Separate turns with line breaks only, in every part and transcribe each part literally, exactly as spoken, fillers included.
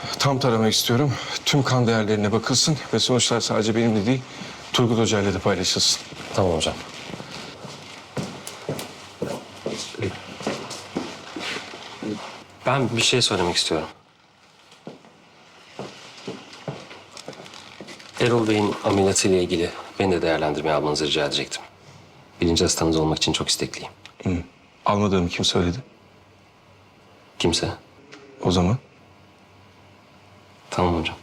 Tam tarama istiyorum. Tüm kan değerlerine bakılsın ve sonuçlar sadece benimle değil, Turgut Hoca ile de paylaşılsın.
Tamam hocam. Ben bir şey söylemek istiyorum. Erol Bey'in ameliyatıyla ilgili beni de değerlendirmeye almanızı rica edecektim. Birinci hastanız olmak için çok istekliyim.
Hı. Almadığımı kim söyledi?
Kimse.
O zaman
Tamam hocam.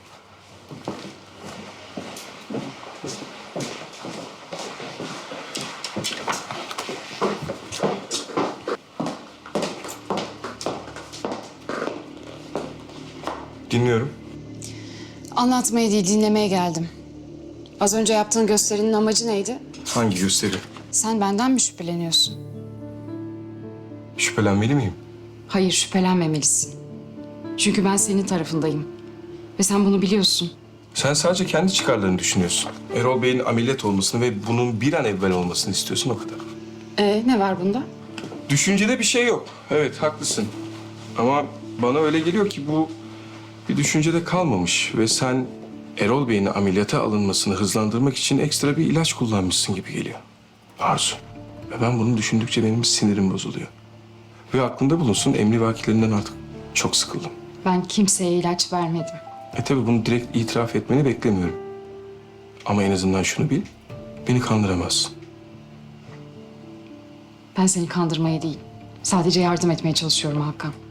dinliyorum.
Anlatmaya değil, dinlemeye geldim. Az önce yaptığın gösterinin amacı neydi?
Hangi gösteri?
Sen benden mi şüpheleniyorsun?
Şüphelenmeli miyim?
Hayır, şüphelenmemelisin. Çünkü ben senin tarafındayım. Ve sen bunu biliyorsun.
Sen sadece kendi çıkarlarını düşünüyorsun. Erol Bey'in ameliyat olmasını ve bunun bir an evvel olmasını istiyorsun, o kadar.
Ee, ne var bunda?
Düşüncede bir şey yok. Evet, haklısın. Ama bana öyle geliyor ki bu bir düşüncede kalmamış ve sen Erol Bey'in ameliyata alınmasını hızlandırmak için ekstra bir ilaç kullanmışsın gibi geliyor. Arzu. Ve ben bunu düşündükçe benim sinirim bozuluyor. Ve aklında bulunsun, emrivakilerinden artık çok sıkıldım.
Ben kimseye ilaç vermedim.
E tabii bunu direkt itiraf etmeni beklemiyorum. Ama en azından şunu bil, beni kandıramazsın.
Ben seni kandırmaya değil, sadece yardım etmeye çalışıyorum Hakan.